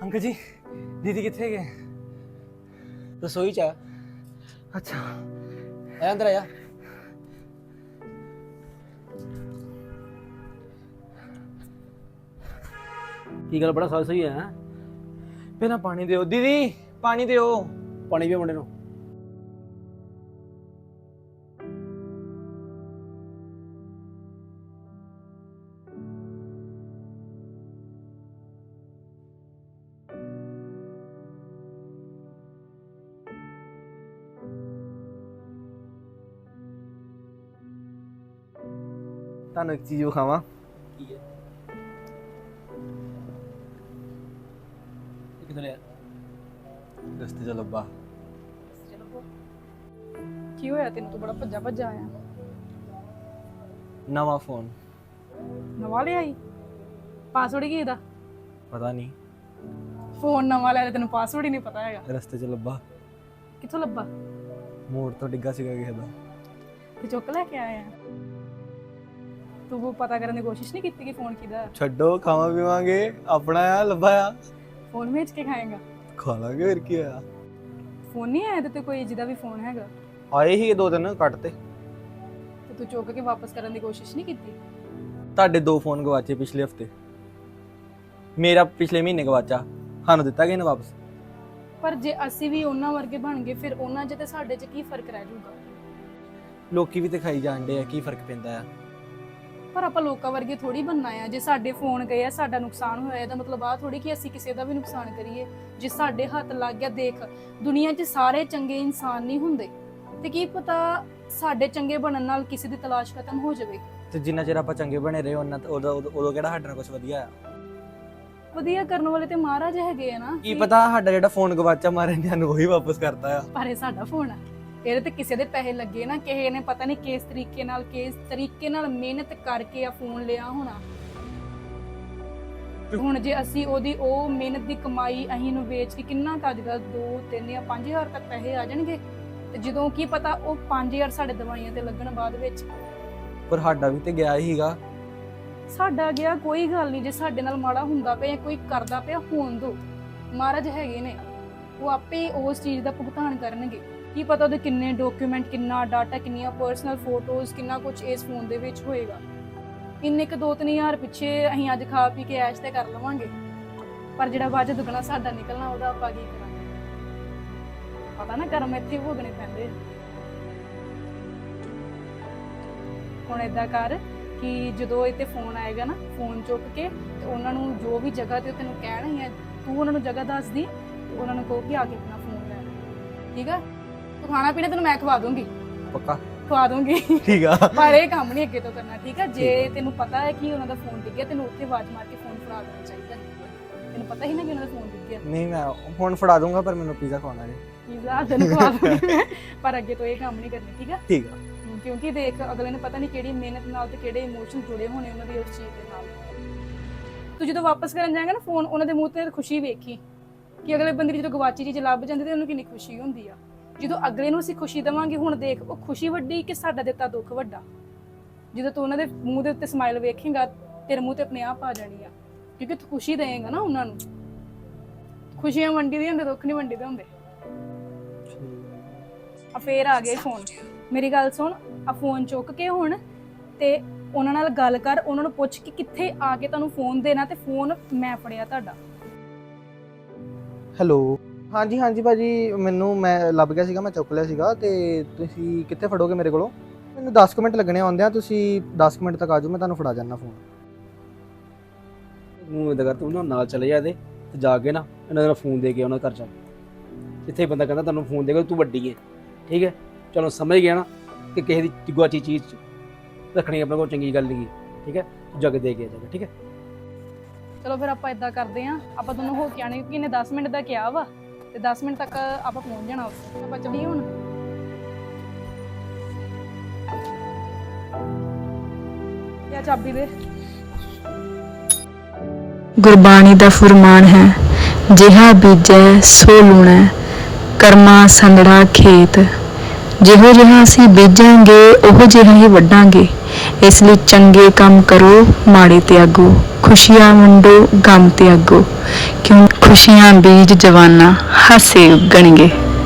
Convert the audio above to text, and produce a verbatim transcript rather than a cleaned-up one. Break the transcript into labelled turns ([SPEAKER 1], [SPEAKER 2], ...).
[SPEAKER 1] Uncle जी दीदी कितने गए?
[SPEAKER 2] रसोई च
[SPEAKER 1] अच्छा
[SPEAKER 2] आ अंदर आया। की गल बड़ा सही है।
[SPEAKER 1] पहला पानी दो दीदी, पानी दो।
[SPEAKER 2] पानी भी मुंडे नूं
[SPEAKER 1] ਤੁਹਾਨੂੰ ਇੱਕ ਚੀਜ਼ ਵਿਖਾਵਾਂ।
[SPEAKER 2] की है किधर है?
[SPEAKER 1] ਰਸਤੇ 'ਚ ਲੱਭਾ।
[SPEAKER 3] ਕੀ ਹੋਇਆ ਤੈਨੂੰ? ਤੂੰ ਬੜਾ ਭੱਜਾ ਭੱਜਾ ਆਇਆ।
[SPEAKER 1] ਨਵਾਂ ਫੋਨ।
[SPEAKER 3] ਨਵਾਂ ਲਿਆਈ? ਪਾਸਵਰਡ ਕੀ ਇਹਦਾ?
[SPEAKER 1] ਪਤਾ ਨਹੀਂ,
[SPEAKER 3] ਫੋਨ ਨਵਾਂ ਲੈ ਲਿਆ, ਤੈਨੂੰ ਪਾਸਵਰਡ ਹੀ ਨਹੀਂ ਪਤਾ ਹੈਗਾ।
[SPEAKER 1] ਰਸਤੇ 'ਚ ਲੱਭਾ।
[SPEAKER 3] ਕਿੱਥੋਂ ਲੱਭਾ?
[SPEAKER 1] ਮੋੜ ਤੋਂ ਡਿੱਗਾ ਸੀਗਾ ਕਿਸੇ ਦਾ।
[SPEAKER 3] ਤੇ ਚੁੱਕ ਲੈ ਕੇ ਆਇਆ। ਤੂੰ ਉਹ ਪਤਾ ਕਰਨ ਦੀ ਕੋਸ਼ਿਸ਼ ਨਹੀਂ ਕੀਤੀ ਕਿ ਫੋਨ ਕਿਹਦਾ?
[SPEAKER 1] ਛੱਡੋ, ਖਾਵਾਂ ਪੀਵਾਂਗੇ, ਆਪਣਾ ਆ ਲੱਭਾ ਆ।
[SPEAKER 3] ਫੋਨ ਵੇਚ ਕੇ ਖਾਏਗਾ?
[SPEAKER 1] ਖਾ ਲਾਂਗੇ, ਫਿਰ ਕੀ ਹੋਇਆ।
[SPEAKER 3] ਫੋਨ ਨਹੀਂ ਆਇਆ ਤੇ ਕੋਈ ਜਿਹਦਾ ਵੀ ਫੋਨ ਹੈਗਾ?
[SPEAKER 1] ਆਏ ਹੀ ਦੋ ਦਿਨ ਕੱਟ ਤੇ।
[SPEAKER 3] ਤੇ ਤੂੰ ਚੁੱਕ ਕੇ ਵਾਪਸ ਕਰਨ ਦੀ ਕੋਸ਼ਿਸ਼ ਨਹੀਂ ਕੀਤੀ?
[SPEAKER 1] ਤੁਹਾਡੇ ਦੋ ਫੋਨ ਗਵਾਚੇ ਪਿਛਲੇ ਹਫਤੇ, ਮੇਰਾ ਪਿਛਲੇ ਮਹੀਨੇ ਗਵਾਚਾ, ਸਾਨੂੰ ਦਿੱਤਾ ਗਿਆ ਨਾ ਵਾਪਸ।
[SPEAKER 3] ਪਰ ਜੇ ਅਸੀਂ ਵੀ ਉਹਨਾਂ ਵਰਗੇ ਬਣ ਗਏ ਫਿਰ ਉਹਨਾਂ 'ਚ ਤੇ ਸਾਡੇ 'ਚ ਕੀ ਫਰਕ ਰਹਿ ਜਾਊਗਾ?
[SPEAKER 1] ਲੋਕੀ ਵੀ ਤੇ ਖਾਈ ਜਾਂਦੇ ਆ, ਕੀ ਫਰਕ ਪੈਂਦਾ ਆ।
[SPEAKER 3] ਪਰ ਆਪਾਂ ਲੋਕਾਂ ਵਰਗੇ ਥੋੜੀ ਬਣਨਾ ਆ। ਜੇ ਸਾਡੇ ਫੋਨ ਗਏ ਆ, ਸਾਡਾ ਨੁਕਸਾਨ ਹੋਇਆ, ਇਹਦਾ ਮਤਲਬ ਆ ਥੋੜੀ ਕਿ ਅਸੀਂ ਕਿਸੇ ਦਾ ਵੀ ਨੁਕਸਾਨ ਕਰੀਏ। ਜੇ ਸਾਡੇ ਹੱਥ ਲੱਗ ਗਿਆ, ਦੇਖ ਦੁਨੀਆ 'ਚ ਸਾਰੇ ਚੰਗੇ ਇਨਸਾਨ ਨਹੀਂ ਹੁੰਦੇ, ਤੇ ਕੀ ਪਤਾ ਸਾਡੇ ਚੰਗੇ ਬਣਨ ਨਾਲ ਕਿਸੇ ਦੀ ਤਲਾਸ਼ ਖਤਮ ਹੋ ਜਾਵੇ।
[SPEAKER 1] ਤੇ ਜਿੰਨਾ ਚਿਰ ਆਪਾਂ ਚੰਗੇ ਬਣੇ ਰਹੇ ਉਹਨਾਂ ਉਦੋਂ ਉਦੋਂ ਕਿਹੜਾ ਸਾਡੇ ਨਾਲ ਕੁਝ ਵਧੀਆ ਆ।
[SPEAKER 3] ਵਧੀਆ ਕਰਨ ਵਾਲੇ ਤੇ ਮਹਾਰਾਜ ਹੈਗੇ ਆ ਨਾ।
[SPEAKER 1] ਕੀ ਪਤਾ ਸਾਡਾ ਜਿਹੜਾ ਫੋਨ ਗਵਾਚਾ ਮਾਰੇ ਨੇ ਸਾਨੂੰ ਉਹੀ ਵਾਪਸ ਕਰਤਾ ਆ।
[SPEAKER 3] ਪਰ ਇਹ ਸਾਡਾ ਫੋਨ ਆ, ਇਹਦੇ ਤੇ ਕਿਸੇ ਦੇ ਪੈਸੇ ਲੱਗੇ ਨਾ, ਕਿਸੇ ਨੇ ਪਤਾ ਨਹੀਂ ਕਿਸ ਤਰੀਕੇ ਨਾਲ ਕਿਸ ਤਰੀਕੇ ਨਾਲ ਮਿਹਨਤ ਕਰਕੇ ਆ ਫੋਨ ਲਿਆ ਹੋਣਾ। ਹੁਣ ਜੇ ਅਸੀਂ ਉਹਦੀ ਉਹ ਮਿਹਨਤ ਦੀ ਕਮਾਈ ਅਸੀਂ ਨੂੰ ਵੇਚ ਕੇ ਕਿੰਨਾ ਕੁ ਅੱਜ ਕੱਲ੍ਹ ਦੋ ਤਿੰਨ ਜਾਂ ਪੰਜ ਹਜ਼ਾਰ ਤੱਕ ਪੈਸੇ ਆ ਜਾਣਗੇ, ਤੇ ਜਦੋਂ ਕੀ ਪਤਾ ਉਹ ਪੰਜ ਹਜ਼ਾਰ ਸਾਡੇ ਦਵਾਈਆਂ ਤੇ ਲੱਗਣ ਬਾਅਦ ਵਿੱਚ।
[SPEAKER 1] ਪਰ ਸਾਡਾ ਵੀ ਤੇ ਗਿਆ ਹੀਗਾ।
[SPEAKER 3] ਸਾਡਾ ਗਿਆ ਕੋਈ ਗੱਲ ਨਹੀਂ। ਜੇ ਸਾਡੇ ਨਾਲ ਮਾੜਾ ਹੁੰਦਾ ਪਿਆ ਜਾਂ ਕੋਈ ਕਰਦਾ ਪਿਆ, ਹੋਣ ਦੋ, ਮਹਾਰਾਜ ਹੈਗੇ ਨੇ, ਉਹ ਆਪੇ ਉਸ ਚੀਜ਼ ਦਾ ਭੁਗਤਾਨ ਕਰਨਗੇ। ਕੀ ਪਤਾ ਉਹਦੇ ਕਿੰਨੇ ਡਾਕੂਮੈਂਟ, ਕਿੰਨਾ ਡਾਟਾ, ਕਿੰਨੀਆਂ ਪਰਸਨਲ ਫੋਟੋਜ਼, ਕਿੰਨਾ ਕੁਝ ਇਸ ਫੋਨ ਦੇ ਵਿੱਚ ਹੋਏਗਾ। ਇੰਨੇ ਕੁ ਦੋ ਤਿੰਨ ਹਜ਼ਾਰ ਪਿੱਛੇ ਅਸੀਂ ਅੱਜ ਖਾ ਪੀ ਕੇ ਐਸ਼ ਤੇ ਕਰ ਲਵਾਂਗੇ, ਪਰ ਜਿਹੜਾ ਬਾਅਦ ਦੁੱਗਣਾ ਸਾਡਾ ਨਿਕਲਣਾ, ਉਹਦਾ ਆਪਾਂ ਕੀ ਕਰਾਂਗੇ? ਪਤਾ ਨਾ ਕਰਮ ਇੱਥੇ ਭੋਗਣੇ ਪੈਂਦੇ। ਹੁਣ ਏਦਾਂ ਕਰ ਕਿ ਜਦੋਂ ਇਹ ਤੇ ਫੋਨ ਆਏਗਾ ਨਾ, ਫੋਨ ਚੁੱਕ ਕੇ ਤੇ ਉਹਨਾਂ ਨੂੰ ਜੋ ਵੀ ਜਗ੍ਹਾ ਤੇ ਤੈਨੂੰ ਕਹਿਣਾ ਹੈ, ਤੂੰ ਉਹਨਾਂ ਨੂੰ ਜਗ੍ਹਾ ਦੱਸ ਦੀ, ਤੇ ਉਹਨਾਂ ਨੂੰ ਕਹੋ ਕਿ ਆ ਕੇ ਆਪਣਾ ਫੋਨ ਲੈ ਲੈ। ਠੀਕ ਆ? ਤੂੰ ਖਾਣਾ ਪੀਣਾ ਤੈਨੂੰ ਮੈਂ ਖਵਾ ਦੂੰਗੀ,
[SPEAKER 1] ਪੱਕਾ
[SPEAKER 3] ਖਵਾ ਦੂੰਗੀ।
[SPEAKER 1] ਠੀਕ ਆ,
[SPEAKER 3] ਪਰ ਇਹ ਕੰਮ ਨਹੀਂ ਅੱਗੇ ਤੋਂ ਕਰਨਾ। ਠੀਕ ਆ? ਜੇ ਤੈਨੂੰ ਪਤਾ ਹੈ ਕਿ ਉਹਨਾਂ ਦਾ ਫੋਨ ਡਿੱਗ ਗਿਆ, ਤੈਨੂੰ ਉੱਥੇ ਆਵਾਜ਼ ਮਾਰ ਕੇ ਫੋਨ ਫੜਾ ਦੇਣਾ ਚਾਹੀਦਾ। ਤੈਨੂੰ ਪਤਾ ਹੀ ਨਾ ਕਿ ਉਹਨਾਂ ਦਾ ਫੋਨ ਡਿੱਗ ਗਿਆ।
[SPEAKER 1] ਨਹੀਂ ਮੈਂ ਹੁਣ ਫੜਾ ਦੂੰਗਾ, ਪਰ ਮੈਨੂੰ ਪੀਜ਼ਾ ਖਵਾਉਣਾ ਹੈ।
[SPEAKER 3] ਪੀਜ਼ਾ ਤੈਨੂੰ ਖਵਾ ਦੂੰਗੀ ਮੈਂ, ਪਰ ਅੱਗੇ ਤੋਂ ਇਹ ਕੰਮ ਨਹੀਂ ਕਰਨੀ। ਠੀਕ ਆ?
[SPEAKER 1] ਠੀਕ ਆ।
[SPEAKER 3] ਕਿਉਂਕਿ ਦੇਖ ਅਗਲੇ ਨੇ ਪਤਾ ਨਹੀਂ ਕਿਹੜੀ ਮਿਹਨਤ ਨਾਲ ਤੇ ਕਿਹੜੇ ਇਮੋਸ਼ਨ ਜੁੜੇ ਹੋਣੇ ਉਹਨਾਂ ਦੀ ਉਸ ਚੀਜ਼ ਦੇ ਨਾਲ। ਤੂੰ ਜਦੋਂ ਵਾਪਸ ਕਰਨ ਜਾਏਗਾ ਨਾ ਫੋਨ, ਉਹਨਾਂ ਦੇ ਮੂੰਹ ਤੇ ਖੁਸ਼ੀ ਵੇਖੀ ਕਿ ਅਗਲੇ ਬੰਦੇ ਦੀ ਜਦੋਂ ਗਵਾਚੀ ਚੀਜ਼ ਲੱਭ ਜਾਂਦੀ ਤੇ ਉਹਨੂੰ ਕਿੰਨੀ ਖੁਸ਼ੀ ਹੁੰਦੀ ਆ। ਜਦੋਂ ਅਗਲੇ ਨੂੰ ਅਸੀਂ ਖੁਸ਼ੀ ਦੇਵਾਂਗੇ, ਹੁਣ ਦੇਖ ਉਹ ਖੁਸ਼ੀ ਵੱਡੀ ਕਿ ਸਾਡਾ ਦਿੱਤਾ ਦੁੱਖ ਵੱਡਾ। ਜਦੋਂ ਤੂੰ ਉਹਨਾਂ ਦੇ ਮੂੰਹ ਦੇ ਉੱਤੇ ਸਮਾਈਲ ਵੇਖੇਂਗਾ, ਤੇਰੇ ਮੂੰਹ ਤੇ ਆਪਣੇ ਆਪ ਆ ਜਾਣੀ ਆ, ਕਿਉਂਕਿ ਤੂੰ ਖੁਸ਼ੀ ਦੇਏਗਾ ਨਾ ਉਹਨਾਂ ਨੂੰ। ਖੁਸ਼ੀਆਂ ਵੰਡੀ ਦੀਆਂ ਹੁੰਦੇ, ਦੁੱਖ ਨਹੀਂ ਵੰਡੀ ਦੇ ਹੁੰਦੇ। ਆ ਫੇਰ ਆ ਗਏ ਫੋਨ। ਮੇਰੀ ਗੱਲ ਸੁਣ, ਆ ਫੋਨ ਚੁੱਕ ਕੇ ਹੁਣ ਤੇ ਉਹਨਾਂ ਨਾਲ ਗੱਲ ਕਰ, ਉਹਨਾਂ ਨੂੰ ਪੁੱਛ ਕਿ ਕਿੱਥੇ ਆ ਕੇ ਤੁਹਾਨੂੰ ਫੋਨ ਦੇਣਾ, ਤੇ ਫੋਨ ਮੈਂ ਫੜਿਆ ਤੁਹਾਡਾ।
[SPEAKER 1] ਹੈਲੋ, ਹਾਂਜੀ ਹਾਂਜੀ ਭਾਜੀ, ਮੈਨੂੰ ਮੈਂ ਲੱਭ ਗਿਆ ਸੀਗਾ, ਮੈਂ ਚੁੱਕ ਲਿਆ ਸੀਗਾ। ਤੇ ਤੁਸੀਂ ਕਿੱਥੇ ਫੜੋਗੇ ਮੇਰੇ ਕੋਲੋਂ? ਮੈਨੂੰ ਦਸ ਕੁ ਮਿੰਟ ਲੱਗਣੇ ਆਉਂਦਿਆਂ, ਤੁਸੀਂ ਦਸ ਕੁ ਮਿੰਟ ਤੱਕ ਆ ਜਾਓ, ਮੈਂ ਤੁਹਾਨੂੰ ਫੜਾ ਜਾਣਾ ਫੋਨ।
[SPEAKER 2] ਮੂੰਹ ਇਦਾਂ ਕਰ, ਤੂੰ ਨਾ ਨਾਲ ਚਲੇ ਜਾ ਇਹਦੇ ਤੇ ਜਾ ਕੇ ਨਾ ਇਹਨਾਂ ਦਾ ਫੋਨ ਦੇ ਕੇ ਉਹਨਾਂ ਘਰ ਜਾ। ਜਿੱਥੇ ਬੰਦਾ ਕਹਿੰਦਾ ਤੁਹਾਨੂੰ ਫੋਨ ਦੇਗਾ, ਤੂੰ ਵੱਡੀ ਹੈ। ਠੀਕ ਹੈ? ਚਲੋ ਸਮਝ ਗਿਆ ਨਾ ਕਿ ਕਿਸੇ ਦੀ ਗੁਆਚੀ ਚੀਜ਼ ਰੱਖਣੀ ਆਪਣੇ ਕੋਲ ਚੰਗੀ ਗੱਲ ਨਹੀਂ। ਠੀਕ ਹੈ? ਤੂੰ ਜਗ ਦੇ ਕੇ ਜਾ। ਠੀਕ ਹੈ?
[SPEAKER 3] ਚਲੋ ਫਿਰ ਆਪਾਂ ਇਦਾਂ ਕਰਦੇ ਆਂ, ਆਪਾਂ ਦੋਨੋਂ ਹੋ ਕੇ ਆਣੇ, ਕਿਉਂਕਿ ਇਹਨੇ ਦਸ ਮਿੰਟ ਦਾ ਕਿਹਾ ਵਾ, ਤੇ ਦਸ ਮਿੰਟ ਤੱਕ ਆਪਾਂ ਪਹੁੰਚ ਜਾਣਾ ਉੱਥੇ। ਆਪਾਂ ਚੱਲੀਏ ਹੁਣ। ਇਹ ਚਾਬੀ ਦੇ।
[SPEAKER 4] ਗੁਰਬਾਣੀ ਦਾ ਫੁਰਮਾਨ ਹੈ, ਜਿਹਾ ਬੀਜੈ ਸੋ ਲੂਣੈ, ਕਰਮਾ ਸੰਦੜਾ ਖੇਤ। ਜਿਹੋ ਜਿਹਾ ਅਸੀਂ ਬੀਜਾਂਗੇ ਉਹੋ ਜਿਹਾ ਹੀ ਵੱਢਾਂਗੇ। ਇਸ ਲਈ ਚੰਗੇ ਕੰਮ ਕਰੋ, ਮਾੜੇ ਤਿਆਗੋ, ਖੁਸ਼ੀਆਂ ਵੰਡੋ, ਗਮ ਤਿਆਗੋ, ਕਿਉਂ ਖੁਸ਼ੀਆਂ ਬੀਜ ਜਵਾਨਾ ਹਾਸੇ ਉੱਗਣਗੇ।